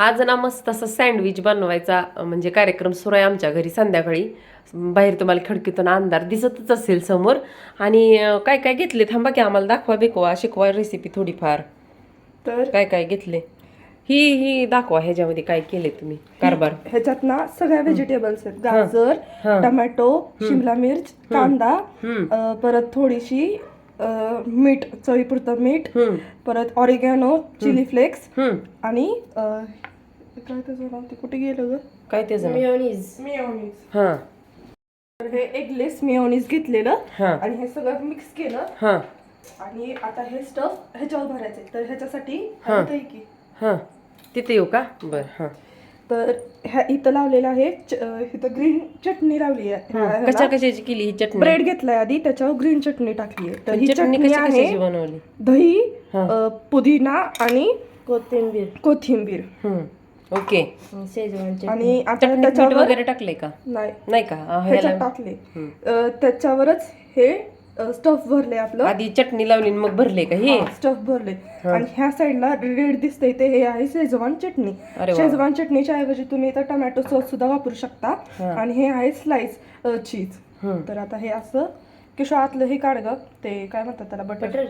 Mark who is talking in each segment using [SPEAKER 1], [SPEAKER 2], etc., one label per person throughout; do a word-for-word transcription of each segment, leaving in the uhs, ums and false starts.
[SPEAKER 1] आज ना मस्त असं सँडविच बनवायचा म्हणजे कार्यक्रम सुरू आहे आमच्या घरी संध्याकाळी. बाहेर तुम्हाला खिडकीतून अंधार दिसतच असेल समोर. आणि काय काय घेतले थांबा की आम्हाला दाखवा बिकवा शिकवा रेसिपी थोडीफार.
[SPEAKER 2] तर
[SPEAKER 1] काय काय घेतले ही ही दाखवा ह्याच्यामध्ये काय केले तुम्ही कारभार.
[SPEAKER 2] ह्याच्यात ना सगळ्या व्हेजिटेबल्स आहेत. गाजर, टोमॅटो, शिमला मिर्च, कांदा, अं, परत थोडीशी अं, मीठ, चवीपुरतं मीठ, परत ऑरिगॅनो, चिली फ्लेक्स आणि अं, काय त्याचं नाव ते कुठे गेलं ग
[SPEAKER 1] काय ते
[SPEAKER 2] मिओनीज मिओनीज
[SPEAKER 1] हा
[SPEAKER 2] तर हे एगलेस मिओनीज घेतलेलं
[SPEAKER 1] हा
[SPEAKER 2] आणि हे सगळं मिक्स केलं.
[SPEAKER 1] हा
[SPEAKER 2] आणि आता हे स्टफ ह्याच्यावर भरायचंय. तर ह्याच्यासाठी
[SPEAKER 1] हा.
[SPEAKER 2] इथं आहे की
[SPEAKER 1] हा तिथे येऊ का बर. हा
[SPEAKER 2] तर ह्या इथं लावलेलं आहे च- अं, इथं ग्रीन चटणी लावली आहे.
[SPEAKER 1] कशा कशाची केली ही चटणी.
[SPEAKER 2] ब्रेड घेतलाय आधी, त्याच्यावर ग्रीन चटणी टाकली आहे. तर ही
[SPEAKER 1] चटणी
[SPEAKER 2] चटणी
[SPEAKER 1] कशी
[SPEAKER 2] आहे
[SPEAKER 1] कशाची बनवली.
[SPEAKER 2] दही,
[SPEAKER 1] हा.
[SPEAKER 2] अं, पुदिना आणि
[SPEAKER 3] कोथिंबीर
[SPEAKER 2] कोथिंबीर
[SPEAKER 1] हम्म ओके.
[SPEAKER 3] शेजवान चटणी.
[SPEAKER 2] आणि आता
[SPEAKER 1] चटणीत मीठ
[SPEAKER 2] त्याच्यावर
[SPEAKER 1] वगैरे टाकले का.
[SPEAKER 2] नाही
[SPEAKER 1] नाही का अं,
[SPEAKER 2] ह्याच्यात
[SPEAKER 1] ह्याला
[SPEAKER 2] टाकले. अं, त्याच्यावरच हे स्टफ भरले आपलं.
[SPEAKER 1] आधी चटणी लावली आणि मग भरले का हे.
[SPEAKER 2] स्टफ भरले आणि ह्या साईडला रेड दिसतंय ते हे आहे शेजवान चटणी.
[SPEAKER 1] अरे वा.
[SPEAKER 2] शेजवान चटणीच्या ऐवजी तुम्ही इथं टोमॅटो सॉस सुद्धा वापरू शकता. आणि हे आहे स्लाइस चीज.
[SPEAKER 1] हम्म.
[SPEAKER 2] तर आता हे असं किशो आतलं हे काढ ग ते काय म्हणतात त्याला बटर.
[SPEAKER 3] बटर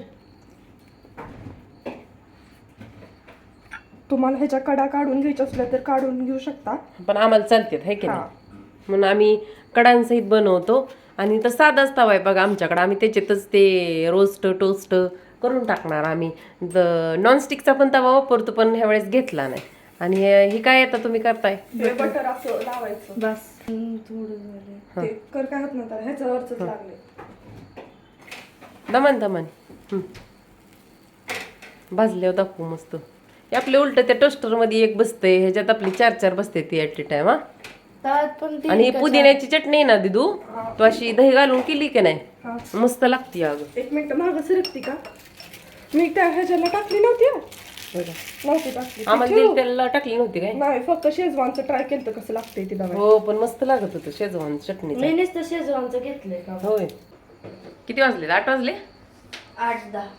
[SPEAKER 2] तुम्हाला ह्याच्या कडा काढून घ्यायच्या असल्या तर काढून घेऊ शकता.
[SPEAKER 1] पण आम्हाला चालते हाय की
[SPEAKER 2] हा.
[SPEAKER 1] नाही म्हणून आम्ही कडांसहित बनवतो. आणि तर साधाच तवा आहे बघा आमच्याकडे. आम्ही त्याच्यातच ते रोस्ट टोस्ट करून टाकणार आम्ही. नॉनस्टिकचा पण तवा वापरतो पण ह्या वेळेस घेतला नाही. आणि ही काय आता तुम्ही करताय.
[SPEAKER 2] हे बटर असं लावायचं.
[SPEAKER 3] बस थोडं झालं.
[SPEAKER 2] ते कर काय होत नंतर ह्याच्यावरच लागले.
[SPEAKER 1] दमन दमन हम्म. भाजल्यावर दाखवू मस्त. हे आपले उलट त्या टोस्टर मध्ये एक बसते ह्याच्यात आपली चार चार बसते ती ऍट ए टाइम. हा
[SPEAKER 3] त्यात पण ती
[SPEAKER 1] आणि ही पुदिन्याची चटणी आहे ना दिदू तू अशी दही घालून केली की नाही
[SPEAKER 2] हा.
[SPEAKER 1] मस्त लागते अगं.
[SPEAKER 2] एक मिनिट मागं सरकती का. मी त्या ह्याच्याला टाकली नव्हती हा.
[SPEAKER 1] बघा.
[SPEAKER 2] नव्हती टाकली.
[SPEAKER 1] आम्हाला तेल तेल टाकली नव्हती काय.
[SPEAKER 2] नाही फक्त शेजवानचं ट्राय केलं तर कसं लागतंय ती बघा.
[SPEAKER 1] हो पण मस्त लागत होतं शेजवान चटणी.
[SPEAKER 3] मी नुसतं शेजवानचं घेतलंय का.
[SPEAKER 1] होय किती वाजले आठ वाजले.
[SPEAKER 3] आठ दहा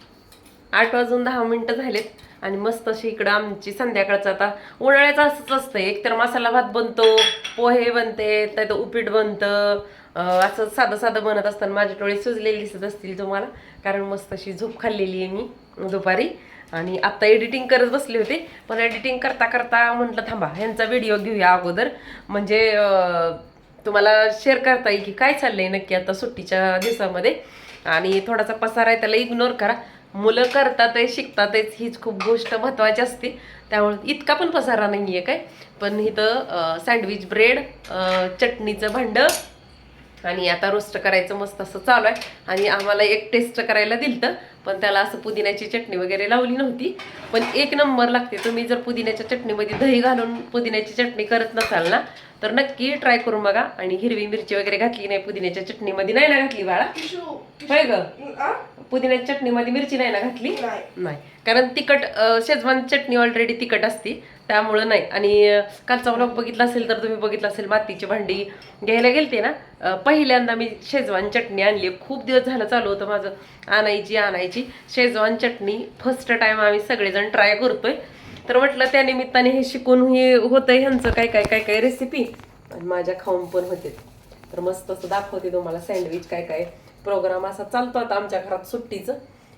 [SPEAKER 1] आठ वाजून दहा मिनिटं झालेत. आणि मस्त अशी इकडं आमची संध्याकाळचं आता उन्हाळ्याचं असंच असतं. एकतर मसाला भात बनतो, पोहे बनते, त्यात उपीट बनतं, असं साधं साधं बनत असताना माझे डोळे सुजलेले दिसत असतील तुम्हाला. कारण मस्त अशी झोप खाल्लेली आहे मी दुपारी. आणि आत्ता एडिटिंग करत बसले होते पण एडिटिंग करता करता म्हटलं थांबा ह्यांचा व्हिडिओ घेऊया अगोदर म्हणजे तुम्हाला शेअर करता येईल की काय चाललंय नक्की आता सुट्टीच्या दिवसामध्ये. आणि थोडासा पसारा आहे त्याला इग्नोर करा. मुलं करतात आहे शिकतात आहेच हीच खूप गोष्ट महत्त्वाची असते. त्यामुळे इतका पण पसारा नाही आहे काय. पण इथं सँडविच ब्रेड, चटणीचं भांडं आणि आता रोस्ट करायचं मस्त असं चालू आहे. आणि आम्हाला एक टेस्ट करायला दिलतं पण त्याला असं पुदिन्याची चटणी वगैरे लावली नव्हती. पण एक नंबर लागते. तुम्ही जर पुदिन्याच्या चटणीमध्ये दही घालून पुदिन्याची चटणी करत नसाल ना तर नक्की ट्राय करून बघा. आणि हिरवी मिरची वगैरे घातली नाही पुदिन्याच्या चटणीमध्ये. नाही ना घातली बाळा. होय ग
[SPEAKER 2] आ?
[SPEAKER 1] पुदिन्याच्या चटणीमध्ये मिरची नाही ना घातली.
[SPEAKER 2] नाही.
[SPEAKER 1] नाही कारण तिखट शेजवान चटणी ऑलरेडी तिखट असते त्यामुळं नाही. आणि कालचा व्लॉग बघितला असेल तर तुम्ही बघितलं असेल मातीची भांडी घ्यायला गेलते ना पहिल्यांदा मी शेजवान चटणी आणली. खूप दिवस झालं चालू होतं माझं आणायची आणायची शेजवान चटणी. फर्स्ट टाइम आम्ही सगळेजण ट्राय करतोय. तर म्हटलं त्या निमित्ताने हे शिकून हे होतं ह्यांचं काय काय काय काय रेसिपी आणि माझ्या खाऊन पण होते. तर मस्त असं दाखवते तुम्हाला सँडविच काय काय प्रोग्राम असा चालतो आता आमच्या घरात सुट्टीचं.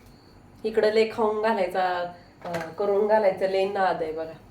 [SPEAKER 1] इकडं लय खाऊन घालायचा करून घालायचं लय नाद आहे बघा.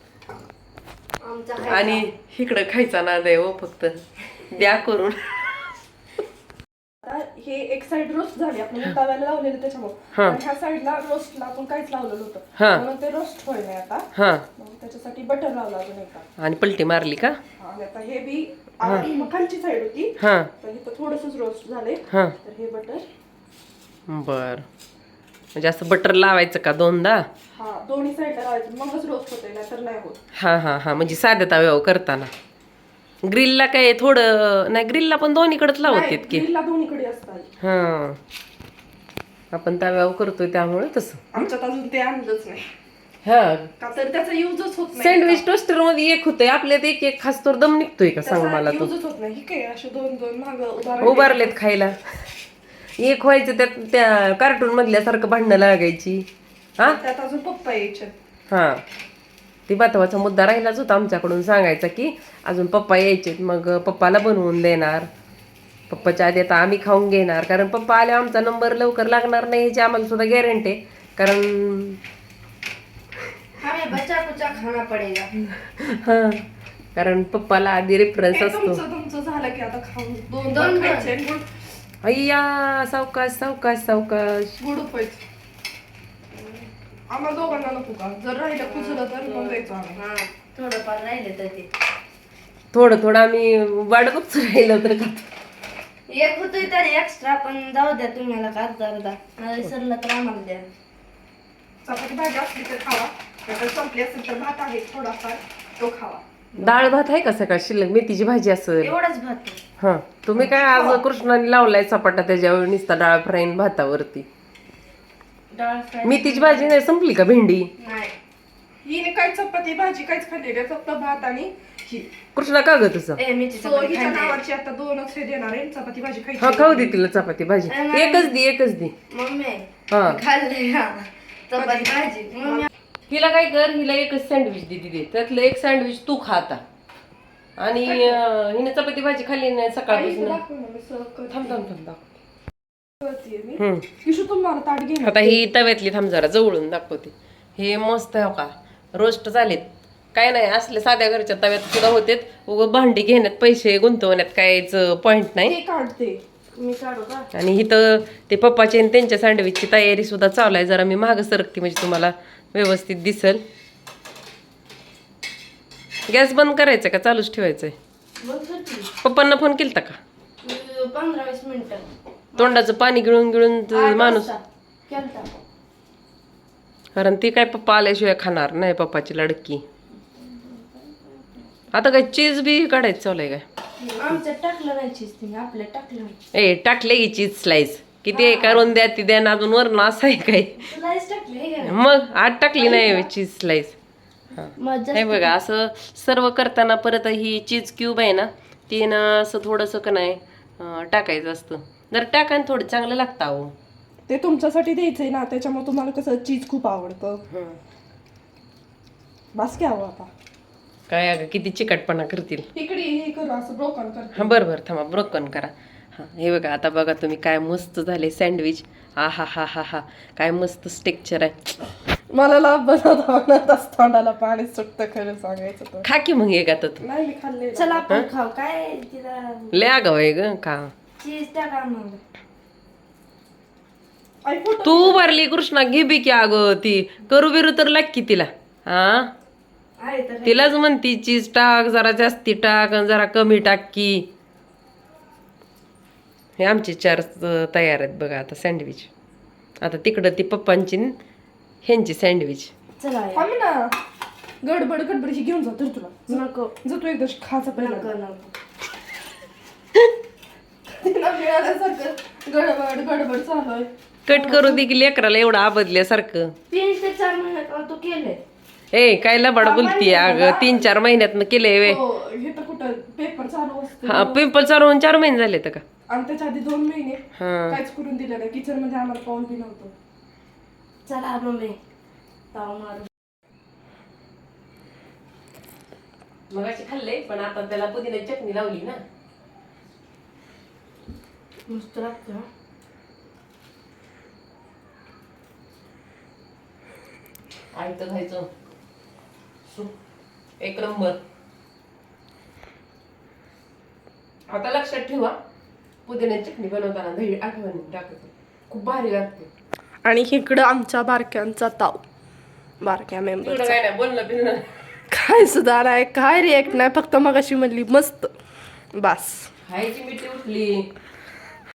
[SPEAKER 3] आमचा
[SPEAKER 1] आणि इकडं खायचा नाद आहे हो फक्त द्या करून.
[SPEAKER 2] आता हे एक साइड रोस्ट झाली आपण तव्याला लावलेलं त्याच्यामुळे. आणि ह्या साइडला रोस्टला आपण काहीच लावलेलं होतं म्हणून ते रोस्ट होईल नाही आता.
[SPEAKER 1] हा
[SPEAKER 2] मग त्याच्यासाठी बटर लावलं अजून एका.
[SPEAKER 1] आणि पलटी मारली का.
[SPEAKER 2] आणि आता हे बी मग खालची साइड होती
[SPEAKER 1] हा
[SPEAKER 2] तर इथं थोडंसंच रोस्ट झाले.
[SPEAKER 1] हा
[SPEAKER 2] तर हे बटर
[SPEAKER 1] बर म्हणजे असं बटर लावायचं का दोनदा.
[SPEAKER 2] हा दोन्ही साइडला लावायचं मगच रोस्ट होते नाही तर नाही होत.
[SPEAKER 1] हा हा हा म्हणजे साध्या तव्यावर करताना. ग्रिलला काय थोडं नाही ग्रिलला पण दोन्हीकडेच लावतात की.
[SPEAKER 2] ग्रिलला दोन्हीकडे असतात.
[SPEAKER 1] हा आपण तव्यावर करतोय त्यामुळे तसं.
[SPEAKER 2] आमच्यात अजून ते आणलंच नाही
[SPEAKER 1] हा
[SPEAKER 2] का तर त्याचा युजच होत नाही.
[SPEAKER 1] सँडविच टोस्टर मध्ये एक होतंय आपल्यात एक एक खास तर दम निघतोय का सांग मला तू.
[SPEAKER 2] युजच होत नाही. ही काय असे दोन दोन माग उभार
[SPEAKER 1] उभारलेत खायला. एक व्हायचं त्यात त्या कार्टून मधल्यासारखं भांडणं लागायची. हा
[SPEAKER 2] त्यात अजून पप्पा यायचे.
[SPEAKER 1] हा ती महत्वाचा मुद्दा राहिलाच होता आमच्याकडून सांगायचा की अजून पप्पा यायचे मग पप्पाला बनवून देणार. पप्पाच्या आधी आता आम्ही खाऊन घेणार कारण पप्पा आले आमचा नंबर लवकर लागणार नाही याची आम्हाला सुद्धा गॅरंटी आहे. कारण
[SPEAKER 3] हमें बचा कुचा खाना पडेगा.
[SPEAKER 1] हां कारण पप्पाला आधी रेफरन्स
[SPEAKER 2] हे
[SPEAKER 1] असतो.
[SPEAKER 2] तुमचं तुमचं झालं की आता खाऊन दोन
[SPEAKER 3] दोन
[SPEAKER 2] दोन
[SPEAKER 3] दोन.
[SPEAKER 2] खायचे गुड
[SPEAKER 1] अय्या सावकाश सावकाश सावकाश.
[SPEAKER 2] गुड उपायचे. आम्हाला दोघांना नको का जर राहिलं कुजलं तर मग द्यायचं आम्ही.
[SPEAKER 3] हा थोडंफार राहिले तर ते
[SPEAKER 1] थोडं थोडं आम्ही वाट बघत राहिलं तर का
[SPEAKER 3] एक होतोय तर एक्स्ट्रा पण जाऊ द्या तुम्हाला का अर्धा अर्धा मला विसरलं तर आम्हाला द्या.
[SPEAKER 2] चपाती भाजी असली तर खावा नाहीतर संपली असेल तर भात आहे थोडाफार तो खावा.
[SPEAKER 1] डाळ भात आहे का सकाळ शिल्लक मेथीची भाजी असेल.
[SPEAKER 3] एवढाच भात आहे.
[SPEAKER 1] हा तुम्ही काय आज कृष्णाने लावलाय चपाटा त्याच्यावर नुसता डाळ फ्राईन भातावरती.
[SPEAKER 3] डाळ फ्राय
[SPEAKER 1] मेथीची भाजी नाही संपली का भेंडी.
[SPEAKER 3] नाही.
[SPEAKER 2] हिने काय चपाती भाजी काहीच खाल्ली नाही फक्त भात आणि ही.
[SPEAKER 1] कृष्णा का ग तुझं.
[SPEAKER 3] ए मेथी
[SPEAKER 2] सो
[SPEAKER 3] चपाती
[SPEAKER 2] हिच्या
[SPEAKER 3] खायची.
[SPEAKER 2] नावाची आता दोनच हे देणार आहे चपाती भाजी
[SPEAKER 1] हा
[SPEAKER 2] खायची.
[SPEAKER 1] खाऊ दे तिला चपाती भाजी एकच दे एकच दे.
[SPEAKER 3] मम्मी
[SPEAKER 1] हा
[SPEAKER 3] खाल्ले हा चपाती भाजी मम्मी
[SPEAKER 1] हिला काय कर हिला एकच सँडविच दे दे त्यातलं एक सँडविच तू खा आता. आणि अं, हिने चपाती भाजी खाल्ली नाही
[SPEAKER 2] आई,
[SPEAKER 1] सकाळपासून.
[SPEAKER 2] दाखव ना, मी serve करते.
[SPEAKER 1] थांब थांब थांब दाखव.
[SPEAKER 2] करतेय मी.
[SPEAKER 1] हम्म.
[SPEAKER 2] किशू तुम्हाला ताट घे ना.
[SPEAKER 1] आता ही तव्यातली थांब जरा जवळून दाखवते. हे मस्त आहे हो का रोस्ट झालेत. काय नाही असले साध्या घरच्या तव्यात सुद्धा होतेत. उगं भांडी घेण्यात पैसे गुंतवण्यात काहीच पॉइंट नाही.
[SPEAKER 2] ते काढते.
[SPEAKER 3] मी काढू का
[SPEAKER 1] आणि इथं ते पप्पाची आणि त्यांच्या सँडविचची तयारी सुद्धा चालू आहे. जरा मी मागं सरकते म्हणजे तुम्हाला व्यवस्थित दिसल. गॅस बंद करायचा का चालूच ठेवायचंय.
[SPEAKER 3] बघ करते.
[SPEAKER 1] पप्पांना फोन केलता का.
[SPEAKER 3] पंधरा वीस मिनिटं
[SPEAKER 1] तोंडाचं पाणी गिळून गिळून त-
[SPEAKER 3] आठ
[SPEAKER 1] माणूस
[SPEAKER 3] वाजता. केलता.
[SPEAKER 1] कारण ती काय पप्पा आल्याशिवाय खाणार नाही पप्पाची लडकी. आता काय चीज बी काढायचं चालू आहे काय.
[SPEAKER 3] आमच्यात टाकलं नाही चीज तुम्ही आपल्या टाकलं
[SPEAKER 1] ए टाकले की चीज स्लाइस किती आहे करून द्या ती द्या ना अजून वरण असं आहे काय.
[SPEAKER 3] स्लाइस टाकले हे का?
[SPEAKER 1] मग आत टाकली नाही चीज स्लाइस.
[SPEAKER 3] मजा
[SPEAKER 1] हे बघा असं सर्व करताना परत ही चीज क्यूब आहे ना ती ना असं थोडंसं का नाही अं, टाकायचं असतं. जर टाकायला थोडं चांगलं लागतं अहो.
[SPEAKER 2] ते तुमच्यासाठी द्यायचंय ना त्याच्यामुळे तुम्हाला कसं चीज खूप आवडतं. बास की हवं आता.
[SPEAKER 1] काय अगं किती चिकटपणा करतील.
[SPEAKER 2] इकडे हे करू असं ब्रोकन करते.
[SPEAKER 1] हां बरं बरं थांबा ब्रोकन करा. हां हे बघा आता बघा तुम्ही काय मस्त झाले सँडविच. हा हा हा हा हा काय मस्त स्टेक्चर आहे.
[SPEAKER 2] मला लाभ बनवता बनवता तोंडाला पाणी सुटतं खरं सांगायचं तर.
[SPEAKER 1] खा की मग एक आता तू.
[SPEAKER 2] नाही मी खाल्ले.
[SPEAKER 3] चला आपण खाऊ काय तिला
[SPEAKER 1] लय आगाव आहे ग का.
[SPEAKER 3] चीज टाका मग
[SPEAKER 2] आई फोटो
[SPEAKER 1] तू भरली कृष्णा घे बी की अगं ती करू बिरू तर लाग की तिला. हा
[SPEAKER 3] आहे तर
[SPEAKER 1] तिलाच म्हणती चीज टाक जरा जास्ती टाक आणि जरा कमी टाक की. हे आमचे चार अं, तयार आहेत बघा आता सँडविच. आता तिकडं ती पप्पांची न ह्यांची सँडविच.
[SPEAKER 3] चला या.
[SPEAKER 2] थांब ना गडबड गडबड ही घेऊन जा तर तुला
[SPEAKER 3] नको
[SPEAKER 2] जर तू एकदा खायचा पहिला
[SPEAKER 3] नको नको
[SPEAKER 2] तिला मिळाल्यासारखं गडबड गडबड चालू आहे.
[SPEAKER 1] कट करू दे की लेकराला एवढं आबदल्यासारखं.
[SPEAKER 3] तीन ते चार महिन्यात तू केलंय.
[SPEAKER 1] ए काय लबाड बोलती अगं तीन चार महिन्यातनं केलंय वे.
[SPEAKER 2] हो, हे तर कुठं पेपर चालू असतो
[SPEAKER 1] हा पिंपल चालू होऊन चार महिने झाले तर का.
[SPEAKER 2] आणि त्याच्या आधी दोन महिने
[SPEAKER 1] हा
[SPEAKER 2] काहीच करून दिलं नाही किचन मध्ये आम्हाला पाऊल बी नव्हतं.
[SPEAKER 3] चला मम्मी ताव मारू.
[SPEAKER 1] मग अशी खाल्ले पण आता त्याला पुदिना चटणी लावली ना.
[SPEAKER 3] मस्त लागतं हा.
[SPEAKER 1] आयतं खायचं एक नंबर. आता लक्षात ठेवा पुदिन्याची चटणी बनवताना दही आठवण टाकायचं खूप भारी लागते.
[SPEAKER 2] आणि इकडं आमच्या बारक्यांचा ताव बारक्या
[SPEAKER 1] तिकडं
[SPEAKER 2] मेंबर
[SPEAKER 1] काय नाही बोलणं बिलणं
[SPEAKER 2] काय सुद्धा नाही काय रिएक्ट नाही फक्त मग अशी म्हणली मस्त बास.
[SPEAKER 1] खायची मिठी उठली